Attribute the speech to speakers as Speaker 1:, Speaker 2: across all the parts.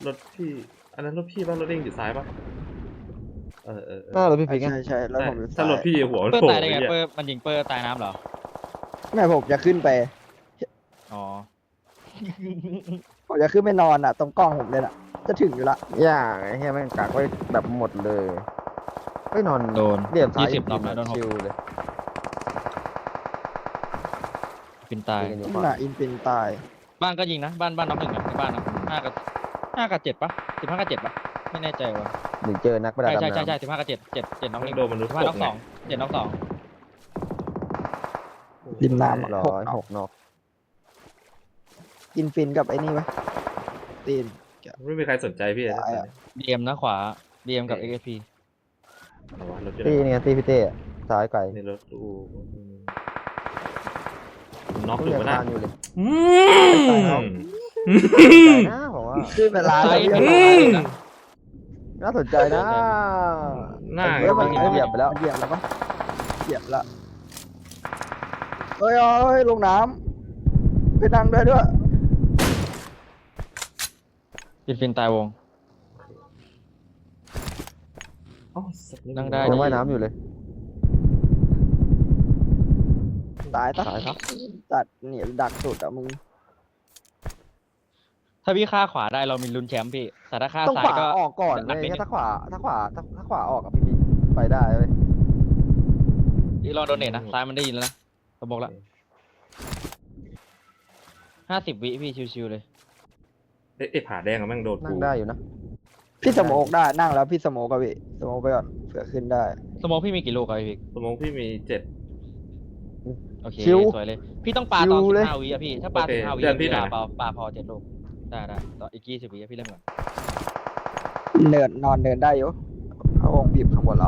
Speaker 1: รถพี่อันนั้นรถพี่ป่ะรถเด้งอยู่ซ้ายป่ะ
Speaker 2: หน้ารถพี่พิง
Speaker 3: ใช่แล้วผมอยู่
Speaker 1: ถ้ารถพี่หัวมัน
Speaker 4: เปิด
Speaker 1: โผล่
Speaker 4: ตายได้ไง
Speaker 1: เนี่ย
Speaker 4: เปิดมันยิงเปิดตายน้ำเหรอ
Speaker 3: แม่ผมจะขึ้นไป
Speaker 4: อ๋อ
Speaker 3: ผมจะขึ้นไปนอนอ่ะตรงกล้องผมเลยน่ะจะถึงอยู่ละ
Speaker 2: อย่างไอ้เหี้ยแม่งกักไว้แบบหมดเลยไม่นอน
Speaker 4: โดน
Speaker 2: เรียบซ้าย
Speaker 4: 20 รอบแล้วโดน
Speaker 2: ชิวเลย
Speaker 4: ปินตาย
Speaker 2: ยิงกันอยู่
Speaker 3: นี่
Speaker 2: ฝั่ง
Speaker 3: น่ะอินฟินตาย
Speaker 4: บ้านก็ยิงนะบ้านน็อกหนึ่งอะในบ้านนะ5 กับ 7ปะ15 กับ 7ปะไม่แน่ใจว่ะ
Speaker 2: หนึ่งเจอนักประดา
Speaker 4: ใช่
Speaker 2: น้ำ
Speaker 4: ใช่15 กับ 7น็อกหนึ่ง
Speaker 1: โดนมนุษย์
Speaker 4: 15
Speaker 1: ต
Speaker 4: น็อก ก
Speaker 1: ไง
Speaker 4: 2 7น็อก2
Speaker 3: ริมน้ำอะ
Speaker 2: 6 นอก
Speaker 3: อินฟินกับไอ้นี่ไหมตีน
Speaker 1: ไม่มีใครสนใจพี่เลย
Speaker 3: ตายอะ
Speaker 4: DM นะขวา DM กับ XP
Speaker 1: เอาวะรถอยู่
Speaker 2: ตี
Speaker 1: ไหน
Speaker 2: เนี่ยตีพี่เต้อะซ้ายไกล
Speaker 1: ในรถตู้น็อก
Speaker 2: ก็
Speaker 1: อยู่
Speaker 2: ยัง
Speaker 1: วะ
Speaker 2: คา
Speaker 1: นะ
Speaker 2: นอยู่เลย
Speaker 1: อืม
Speaker 2: ใจนะผมว่า
Speaker 3: ขึ้นเวลา
Speaker 4: ซ้าย
Speaker 3: แล้ว
Speaker 4: ยิ
Speaker 3: เรีย
Speaker 4: ง
Speaker 3: บ
Speaker 4: ข
Speaker 3: ร้อ
Speaker 4: วาย นะ
Speaker 2: น่าสนใจนะ
Speaker 1: หน้า
Speaker 2: เฮ้ยมันเหยียบไปแล้ว
Speaker 3: เหยียบแล้วปะเหยียบละเฮ้ยลงน้ำไปนั่งได้ด้วย
Speaker 4: ฟินตายวง
Speaker 1: อ๋อสัตว์
Speaker 4: นั่งได้
Speaker 2: ยังว่ายน้ำอยู่เลย
Speaker 3: ตาย
Speaker 2: ตายครับ
Speaker 3: ตัดเนี่ยดักสุดอ่ะมึง
Speaker 4: ถ้าพี่ฆ่าขวาได้เรามีลุ้นแชมป์พี่แต่ถ้าฆ่า
Speaker 2: ต้อง
Speaker 4: ซ้า
Speaker 2: ข
Speaker 4: ยว
Speaker 2: า
Speaker 4: ก็
Speaker 2: ออกก่อน
Speaker 4: หนั
Speaker 2: เล
Speaker 4: ก
Speaker 2: ย
Speaker 4: นิดนึง
Speaker 2: ถ้าขวาออกกับพี่พิงไปได้เว้ย
Speaker 4: พี่ลองโดเนทนะซ้ายมันได้ยินแล้วนะผมบอกแล้ว50 วิพี่ชิวๆเลย
Speaker 1: เอ๊ะผาแดงอะแม่งโดน
Speaker 2: นั่
Speaker 1: กู
Speaker 2: งได้อยู่นะ
Speaker 3: พี่สโมกได้นั่งแล้วพี่สโมกกับพี่สโมกไปก่อนเผื่อขึ้นได้
Speaker 4: สมองพี่มีกี่ลูกครับพี่
Speaker 1: สมองพี่มี7
Speaker 4: โอเค
Speaker 3: ชิว
Speaker 4: สวยเลย พี่ต้องปาตอน
Speaker 3: ชิวเลย
Speaker 4: 15 วิอะพี่ ถ้าปา
Speaker 1: โอเค
Speaker 4: 15 วิ
Speaker 1: เดือนพี่
Speaker 4: พี่
Speaker 1: หน่อย
Speaker 4: ปาพอ7 ลูก ได้ต่ออีก20 วิอะพี่เล่นก่อน
Speaker 3: นอนเดินได้อยู่พระองค์บีบข้างบนแล้ว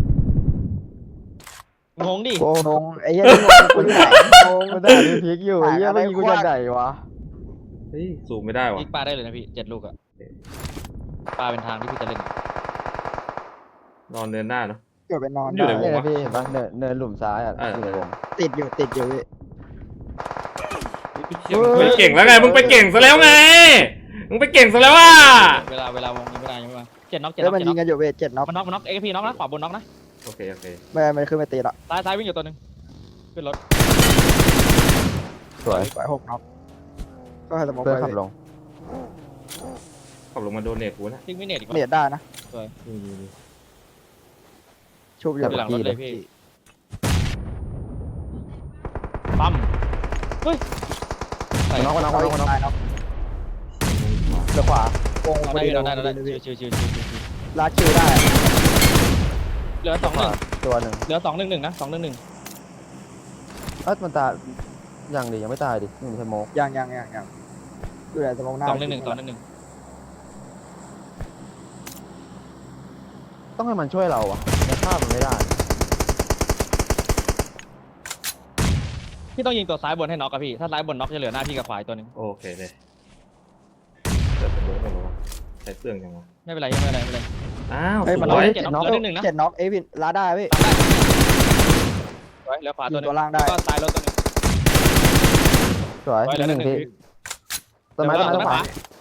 Speaker 4: งงดิ
Speaker 2: โอ้
Speaker 3: งงไอ้เหี้ยนี่งงกูอยู่ไหนงง
Speaker 2: มันได้พี่พิงอยู่ไอ้เหี้ย
Speaker 3: อะไร
Speaker 2: ไม่ยิงกูจะไหนวะ
Speaker 1: เฮ้ยสูงไม่ได้วะ
Speaker 4: พี่ปาได้เลยนะพี่7 ลูกอะปาเป็นทางที่พี่จะเล่น
Speaker 1: นอนเดินหน้าเนาะ
Speaker 3: เกิดไปนอน
Speaker 1: อยู่
Speaker 3: ได้
Speaker 1: ไหน
Speaker 2: เนี่ยนะพี่เห็นปะเนินหลุมซ้ายอ่ะ
Speaker 1: เออ
Speaker 2: อยู่ในวง
Speaker 3: ติดอยู่พี่
Speaker 1: ไปเก่งแล้วไงมึงไปเก่งซะแล้วไงมึงไปเก่งซะแล้วอ่ะ
Speaker 4: เวลาวงยังไม่ได้ยังไม่มา7 น็อก 7
Speaker 3: แล้ว
Speaker 4: น็อก
Speaker 3: มัน
Speaker 4: 7
Speaker 3: ยิ
Speaker 4: น็
Speaker 3: ง
Speaker 4: อก
Speaker 3: กันอยู่เวท7น็อก
Speaker 4: มันน็อกเอ็กพีน็อกนะขวาบนน็อกนะ
Speaker 1: โอเค
Speaker 3: ไม่ขึ้นไปตีละ
Speaker 4: ซ้ายวิ่งอยู่ตัวหนึงขึ้นรถ
Speaker 2: สวย
Speaker 3: ปล่อย6น็อกก็ให้สโมก
Speaker 2: เพื่อน
Speaker 3: ไป
Speaker 2: ขับลง
Speaker 1: ขับลงมาโดนเนตกูนะ
Speaker 4: ทิ้งไม่เน็ตอีก
Speaker 3: เนียดได้นะ
Speaker 1: นี่
Speaker 3: ชุบอยู่
Speaker 4: หลังรถเลยพี่ปั๊มเฮ้ยใส่
Speaker 2: น็อกน็อก
Speaker 3: เอา
Speaker 2: น็
Speaker 3: อี
Speaker 2: อก
Speaker 3: ก
Speaker 2: น็อก
Speaker 3: ตายน็อก
Speaker 2: เรือขวา
Speaker 3: วง
Speaker 4: เรา
Speaker 3: พอ
Speaker 4: ได้
Speaker 3: ดี
Speaker 4: เราได้
Speaker 3: เลย
Speaker 4: ชิว
Speaker 3: ลาดคิวได้
Speaker 4: เหลือ
Speaker 2: ขวา
Speaker 4: 2-1
Speaker 2: ตัวหนึ่ง
Speaker 4: เหลือ2-1นะ2-1
Speaker 2: มันตายยังดิยังไม่ตายดินี่มันสโมก
Speaker 3: ยังดูแลสโมกหน้า
Speaker 4: 2-1
Speaker 2: ต้องให้มันช่วยเราอ่ะแต่ฆ่ามันไม่ได้
Speaker 4: พี่ต้องยิงตัวซ้ายบนให้น็อกกับพี่ถ้าซ้ายบนน็อกจะเหลือหน้าพี่กับขวาตัวนึง
Speaker 1: โอเคเลยแต่สมองไม่รู้ว่าใช้เปลืองยังวะ
Speaker 4: ไม่เป็นไร
Speaker 1: อ้าว
Speaker 3: เฮ้ย
Speaker 1: ส
Speaker 3: มัน
Speaker 1: วย
Speaker 4: 7 น็อกเหลือ1นะ
Speaker 3: 7น็อกเอ้ยพี่ลาได้พี่
Speaker 4: สวยเหลือขวาตัวนึ
Speaker 3: ยิงตั
Speaker 4: ง
Speaker 3: วล่างได้
Speaker 4: ก็ซ้ายรถตัวนึง
Speaker 2: สวย
Speaker 4: เหลือ
Speaker 2: หนึ่ง
Speaker 4: 1
Speaker 2: ที
Speaker 4: พี่
Speaker 2: ต้นไม้ต้นไม้ขวา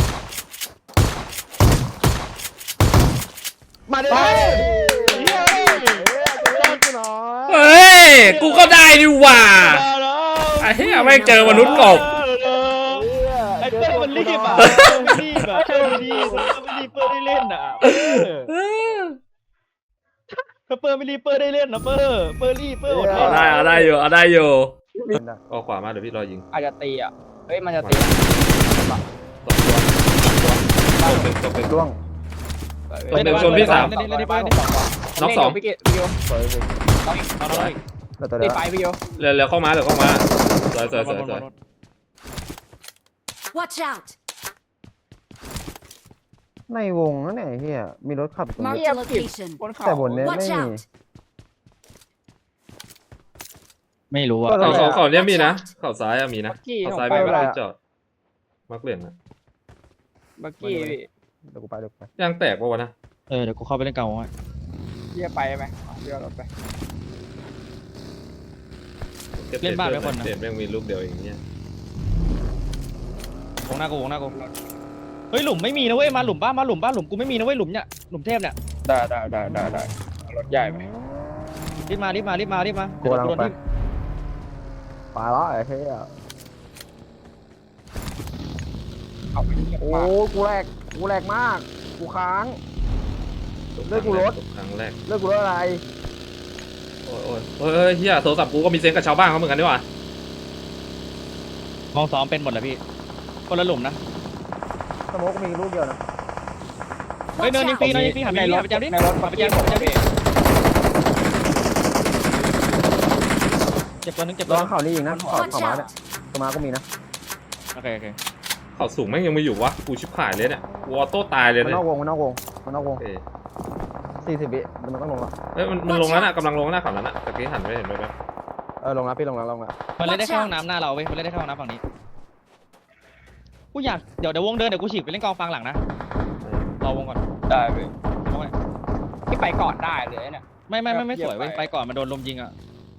Speaker 2: มาดิ
Speaker 1: เฮ้ยกูก็ได้ดิว่าไอ้เหี้ยไม่เจอมนุษย์กบ
Speaker 4: ไอ้เปิ้ลมันรีบอ่ะไม่รีบอ่ะเปิ้ลไม่รีบเปิ้ลได้เล่นอ่ะถ้าเปิ้ลไม่รีบเปิ้ลได้เล่นนะเปิ้ลรีบเปิ้ลอด
Speaker 1: เอาได้อยู่เอาขวามาเดี๋ยวพี่รอยิง
Speaker 3: อาจจะตีอ่ะเฮ้ยมันจะตี
Speaker 1: ตกเป็น
Speaker 2: ร่วง
Speaker 1: ตกเป็นชนพี่สาม
Speaker 4: เล่นไป
Speaker 1: น็อกสอง
Speaker 3: พี่เกศ
Speaker 2: สวยเลย แล้วตัว
Speaker 3: ตี
Speaker 2: เดียว
Speaker 3: ไปพี่โย
Speaker 1: เร็วเข้ามาสวย
Speaker 5: Watch out!
Speaker 2: ในวงนั่นไงเฮียมีรถขับอยู่ตรง
Speaker 5: Mark
Speaker 2: นี้
Speaker 5: the location.
Speaker 3: บนเขา
Speaker 2: แต่บนเนี้ย
Speaker 5: Watch
Speaker 2: ไม่มี
Speaker 5: out!
Speaker 4: ไม่รู้อ่ะ
Speaker 1: เขาเนี้ยมีนะเขาซ้ายมีนะเขาซ้ายมีที่จอดมักเหลี่ยมนะ
Speaker 3: บักกี้พี่
Speaker 2: เดี๋ยวกูไป
Speaker 1: ยางแตกปะวะนะ
Speaker 4: เดี๋ยวกูเข้าไปเล่นเก่าไว้
Speaker 3: พี่จะไปไหมเดี๋ยวเราไป
Speaker 1: เปลี่ยนแม่งมีลูกเดียวอย่างเงี้ยว
Speaker 4: งหน้ากูเฮ้ยหลุมไม่มีนะเว้ยมาหลุมบ้ามาหลุมบ้าหลุมกูไม่มีนะเว้ยหลุมเนี่ยหลุมเทพเนี่ย
Speaker 3: ได้รถใหญ่ไหม
Speaker 4: รีบมา
Speaker 2: กูกำลัง
Speaker 4: เดี๋ยว
Speaker 2: ไป
Speaker 4: โดนที่
Speaker 2: ไปแล้วไอ้เหี้ย
Speaker 3: เอาไปเงียบ
Speaker 2: โอ้
Speaker 3: มาก
Speaker 2: กูแหลกมากกูค้างเลือกกูรถ
Speaker 1: ครั้งแรก
Speaker 2: เลือกกูรถอะไร
Speaker 1: โอ้ยเฮ้ยเฮียโทรศัพท์กูก็มีเซ็งกับชาวบ้านเขาเหมือนกันดีกว่า
Speaker 4: ห้องซ้อมเป็นหมดเลยพี่คนละหลุมนะ
Speaker 2: สโมกมีลูกเดียวนะ
Speaker 4: เฮ้ยเนินยิงฟรีหันไปยิงหันไปจับดิ
Speaker 3: ในรถ
Speaker 4: หันไปจับดิเจ็บตัวนึงเจ็บ
Speaker 2: ล
Speaker 4: ตัว
Speaker 2: อง
Speaker 4: นึง
Speaker 2: เข่านี่อีกนะเข่า
Speaker 5: Watch
Speaker 2: ม้าเนี่ย
Speaker 5: out!
Speaker 2: เข่าม้าก็มีนะ
Speaker 4: โอเค
Speaker 1: เขาสูงแม่งยังไม่อยู่วะกูชิบหายเลยเนี่ยกูออโต้ตายเลย
Speaker 2: มัน
Speaker 1: เนี่ย
Speaker 2: นอกวงมันนอกวง
Speaker 1: เอ้ย
Speaker 2: 40 วิมันต้องลงละ
Speaker 1: เอ้ยมันลงแล้วน่ะกำลังลงหน้าเขาแล้วน่ะตะกี้หันไปเห็นไหมครับ
Speaker 2: ลงละพี่ลงละ
Speaker 4: มันเล่นได้แค่ห้องน้ำหน้าเราเว้ยมันเล่นได้แค่ห้องน้ำฝั่งนี้กูอยากเดี๋ยววงเดินเดี๋ยวกูฉีกไปเล่นกองฟังหลังนะรอวงก่อน
Speaker 3: ได้ไป
Speaker 4: วงไว้
Speaker 3: ที่ไปก่อนได้เลยเนี่ย
Speaker 4: ไม่สวยเว้ยไปก่อนมันโดนลมยิงอ่ะ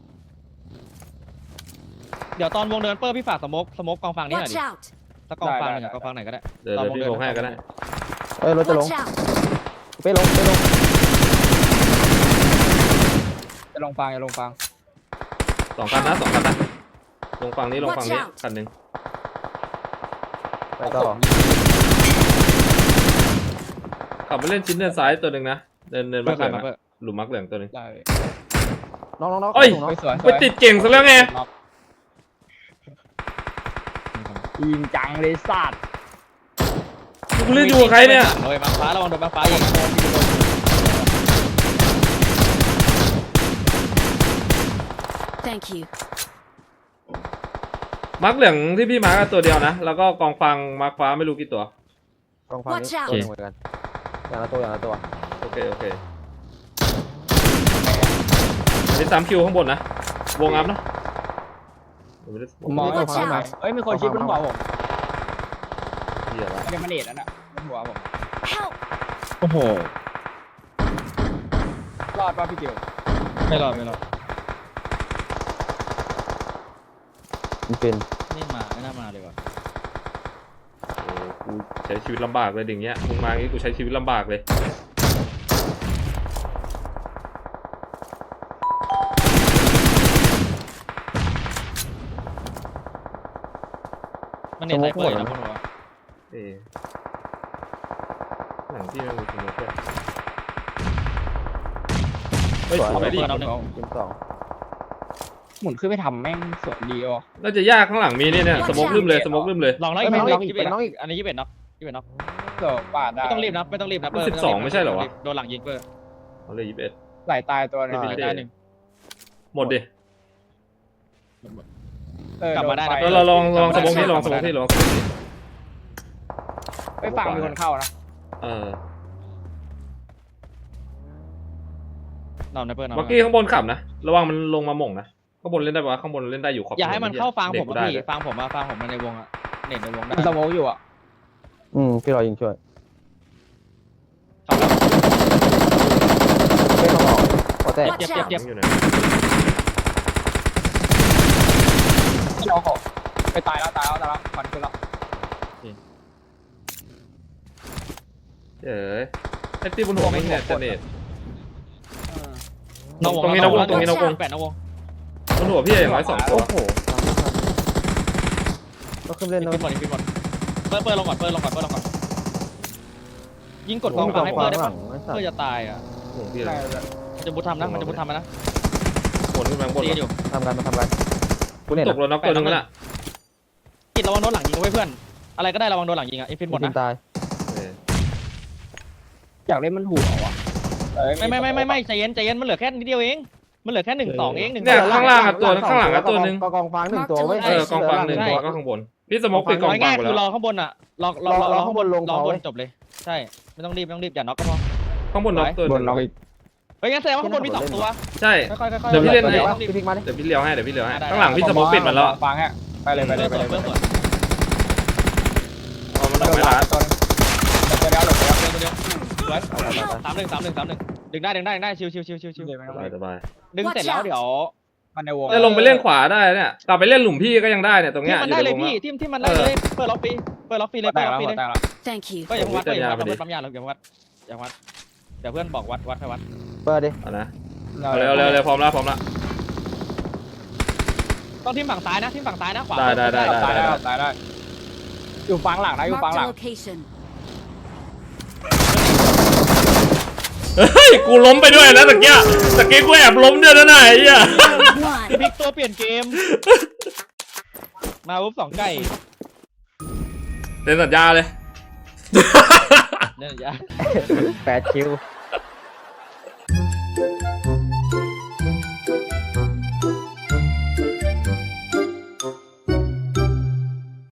Speaker 4: เดี๋ยวตอนวงเดินเปิ้ลพี่ฝากสโมกกองฟังนี่หน่อย
Speaker 5: Watch
Speaker 4: ดิ
Speaker 5: out!
Speaker 4: ถ้ากองฟังหนึ่งกองฟังไหนก็ได้
Speaker 1: เดี๋ยวพี่ลงให้ก็ได้
Speaker 2: รถจะลง
Speaker 5: Watch out!
Speaker 2: ไปลง
Speaker 3: จะลงฟังจะลงฟัง
Speaker 1: สองคันนะลงฝั่งนี้ลงฝั่งนี้คันหนึ่ง
Speaker 2: ไปต่อ
Speaker 1: ขับไปเล่นชิ้นเดินซ้ายตัวหนึ่งนะเดิน
Speaker 4: เปิ้
Speaker 1: มา
Speaker 4: ล
Speaker 1: เหลือง
Speaker 4: มาเปิ้ล
Speaker 1: หลุมมักเหลืองตัวหนึ่ง
Speaker 3: ได้
Speaker 2: น้อง
Speaker 1: เอ้ย
Speaker 3: สวย
Speaker 1: ไปติดเก่งซะแล้วไง
Speaker 3: ยิงจังเลยสัตว์
Speaker 1: กูเล่นอยู่กับใครเนี่ย
Speaker 4: โดยมาฟ้าระวังโดนมาฟ้ายิง
Speaker 5: Thank you.
Speaker 1: มักเหลืองที่พี่มาร์กตัวเดียวนะแล้วก็กองฟังมาร์กฟ้าไม่รู้กี่ตัว
Speaker 2: กองฟังนี้ตัวนึงเหมือนกันอย่างละตัว
Speaker 1: โอเคอันนี้3 คิวข้างบนนะวงอัพนะ
Speaker 3: ผมมองไม่ฟังไหมเอ้ยมีคนชี้บนหัวผม
Speaker 1: เหี้ยละ
Speaker 3: ไม่ได้มาเนตนั่นน่ะบนหัวผม
Speaker 5: Help!
Speaker 4: โอ้โห
Speaker 3: รอดป่ะพี่เกียว
Speaker 4: ไม่รอด
Speaker 2: มันเป็น
Speaker 4: นี่มาไม่น่ามาเลยว่ะ
Speaker 1: โอ้กูใช้ชีวิตลำบากเลยอย่างเงี้ยมึงมาอย่างงี้กูใช้ชีวิตลำบากเลย
Speaker 4: มันเน็ตไซเปอร์อยู่นะพวกหนู
Speaker 1: เอ๊ะหลังที่มันมีสมุกด้วยเฮ้ย
Speaker 2: สวย
Speaker 1: สวยดิ
Speaker 2: ทีม2
Speaker 3: หมุนขึ้นไปทำแม่งสวยดีอ่ะ
Speaker 1: น่าจะยากข้างหลังมีเนี่ยสมุกลืมเลยสมุกลืมเลย
Speaker 4: ลองแล้วอีกอันนี้21น็อก21น็อก
Speaker 3: เกือบปาดได้
Speaker 4: ไม่ต้องรีบนะเปิ้ล
Speaker 1: 12ไม่ใช่เหรอวะ
Speaker 4: โดนหลังยิงเปิ้ล
Speaker 1: เอาเลย21
Speaker 3: ไหลตายตัวนึง
Speaker 4: ได้หนึ่ง
Speaker 1: หมดดิ
Speaker 4: กลับมาได้นะ
Speaker 1: แล้วเราลองสมุกที่ลองสมุกที่
Speaker 3: ไปฝั่งมีคนเข้านะ
Speaker 4: นอนนะเปิ้ลนอน
Speaker 1: เมื่อกี้ข้างบนขับนะระวังมันลงมาหม่งนะข้างบนเล่นได้ปะข้างบนเล่นได้อยู่ขอบ
Speaker 4: อย่าให้มันเข้าฟังผม
Speaker 1: ได้
Speaker 4: พี่ฟังผมในวงอะเน็ตในวงได้
Speaker 3: มันสโมกอยู่อ่ะ
Speaker 2: พี่รอยิงช่วย
Speaker 4: เข้าแล้ว
Speaker 2: ไม่ต้องออกพอแตก
Speaker 5: Watch
Speaker 4: เจ็บ
Speaker 5: out!
Speaker 1: อยู่ไหน
Speaker 3: ที่เราขอไปตายแล้วฟันขึ้นแล้ว
Speaker 1: เจ๋ยไอ้ตีบนหัวไม่เนี่ยจะเน็ต
Speaker 4: 8นอกวง
Speaker 1: บนหัวพี่อย่างน้อย2 ตัว
Speaker 2: โอ้โหก็ขึ้นเล่น
Speaker 4: ยิง
Speaker 2: นะ
Speaker 4: ขึ้นบอลเปิ้ลลงก่อนยิงกดกองฟังให้เปิ้ลได้ปะเพื่อจะตายอ่ะ
Speaker 1: หัวพี่อะไร
Speaker 4: มันจะบุทำนะนะ
Speaker 1: บนขึ้นมาบน
Speaker 4: ตีอยู่
Speaker 2: ทำกันกูเนี่ย
Speaker 1: ตกรถน็อกตัวนึงแล้ว
Speaker 4: กิดระวังโดนหลังยิงไว้เพื่อนอะไรก็ได้ระวังโดนหลังยิงอ่ะอินฟินหมดนะ
Speaker 2: ตาย
Speaker 3: อยากเล่นมันหัวว่ะ
Speaker 4: ไม่ใจเย็นมันเหลือแค่นิดเดียวเองมันเหลือแค่1-2เอง
Speaker 1: เนี่ยข้างล่างกับตัวข้างหลังกับตัวนึง
Speaker 2: กองฟัง1 ตัวเว้ย
Speaker 1: กองฟัง1 ตัวก็ข้างบนพี่สมกปิดกองฟัง
Speaker 4: ง่าย
Speaker 1: ไป
Speaker 4: คื
Speaker 1: แล้
Speaker 4: อ
Speaker 1: ว
Speaker 4: รอข้างบนอ่ะรอข้างบนรอบนจบเลยใช่ไม่ต้องรีบอย่าน็อกก็พอ
Speaker 1: ข้างบนน็อกตัว
Speaker 3: บนเราอีก
Speaker 4: เฮ้ยงั้นแสดงว่าข้างบนมี2 ตัว
Speaker 1: ใช่
Speaker 4: ค่อยๆ
Speaker 1: เดี๋ยวพี่เล่น
Speaker 2: เดี๋ยวพี่พลิกมาดิ
Speaker 1: เดี๋ยวพี่เลี้ยวให้ข้างหลังพี่สมกปิดมาแล้ว
Speaker 3: ฟังฮะไปเลย
Speaker 4: เพื่อนสวน
Speaker 1: อ๋อมันออกไม่ละ
Speaker 3: ตัวนึงเดี๋ยวหลบไป
Speaker 4: เดียว3-1ดึงได้ชิว
Speaker 3: ไม่ต้อง
Speaker 1: สบาย
Speaker 4: ดึงเสร็จแล้วเดี๋ยว
Speaker 2: มันในวง
Speaker 1: จะลงไปเล่นขวาได้เนี่ยกลับไปเล่นหลุมพี่ก็ยังได้เนี่ยตรง
Speaker 4: ที่
Speaker 1: เนี้ย
Speaker 4: มัน
Speaker 1: อยู่
Speaker 4: ได้
Speaker 1: ใน
Speaker 4: เล
Speaker 1: วย ง
Speaker 4: พี่
Speaker 1: อะ
Speaker 4: ที่มันได้เลยเปิดล็อบฟรีเปิดล็อบฟรีเลย
Speaker 2: แต
Speaker 4: เปิด
Speaker 2: ก
Speaker 4: ล็อบ
Speaker 2: แล้ว
Speaker 4: ฟรีเลย
Speaker 2: แตกแล้ว
Speaker 5: Thank you.
Speaker 4: ก็อย่าเพิ่งวัดก็อย่าเพิ่งวัดปั๊มยาเราอย่าเพิ่งวัดอย่าวัดเดี๋ยวเพื่อนบอกวัดให้วัด
Speaker 3: เปิดดิ
Speaker 1: เอานะเอาเร็วเร็วเร็วพร้อมแล้วพร้อมแล้ว
Speaker 4: ต้องทิมฝั่งซ้ายนะทิมฝั่งซ้ายนะขวา
Speaker 1: ได้
Speaker 2: ตายได้อยู่ฟังหลังนะอยู่ฟัง
Speaker 5: Marked
Speaker 2: หลั
Speaker 5: a
Speaker 2: ง
Speaker 5: location.
Speaker 1: เฮ้ยกูล้มไปด้วยนะตะกี้กูแอบล้มด้วยนะนายไอ้เหี้ย
Speaker 5: One.
Speaker 4: พลิกตัวเปลี่ยนเกมมาปุ๊บสองไก่
Speaker 1: เซ็นสัญญาเลย
Speaker 4: เนี่ยอย่า
Speaker 2: 8 คิว